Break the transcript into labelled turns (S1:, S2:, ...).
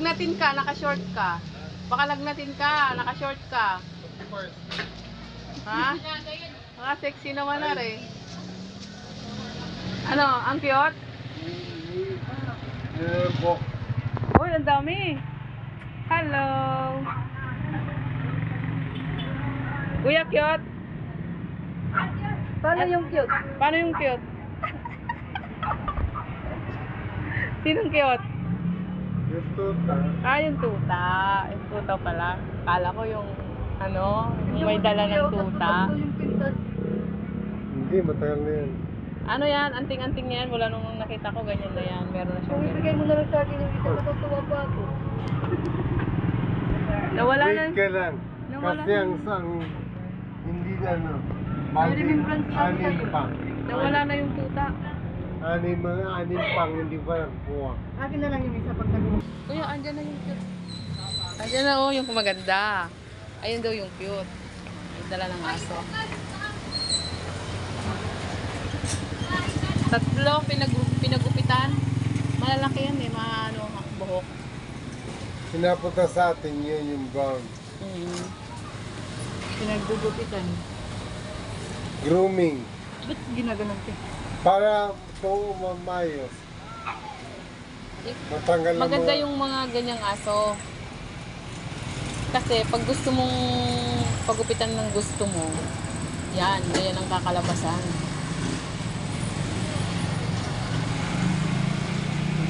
S1: lagnatin ka, naka-short ka. Baka lagnatin ka, naka-short ka. Ha? Sexy naman na rin. Ano, ang cute? Uy, ang dami. Hello. Kuya, cute?
S2: Paano yung cute?
S1: Paano yung cute? Sinong cute?
S3: Yung tuta.
S1: Yung tuta. Yung tuta pala. Kala ko yung, yung may dala ng tuta.
S2: Yung pintas.
S3: Hindi, matagal na yan.
S1: Ano yan? Anting-anting yan. Wala nung nakita ko, ganyan na yan. Meron na
S2: Kung
S1: siyang
S2: ibigay mo na lang sa akin yung isa, matutuwa pa ako.
S1: Nawala na.
S3: Wait ka lang.
S1: Nawala
S3: Kasi
S1: na.
S3: ang sang, hindi na
S2: May remembrance lang
S3: anim
S2: sa'yo.
S3: pang.
S1: Nawala na yung tuta.
S3: Anim pang, hindi pa nakuha.
S2: Akin na lang yung isa pag nag-
S1: Kuya, andyan na yung cute. Andyan na yung maganda. Ayun daw yung cute. Yung dala ng aso. Tatlo, pinagupitan. Malalaki yan buhok.
S3: Pinapunta sa atin yun yung brown.
S2: Pinagdugupitan.
S3: Grooming.
S2: Ba't ginaganon ka?
S3: Para po mamayos. Matanggal na
S1: Maganda
S3: mga-
S1: yung mga ganyang aso. Kasi pag gusto mong pagupitan ng gusto mo, yan ang kakalabasan.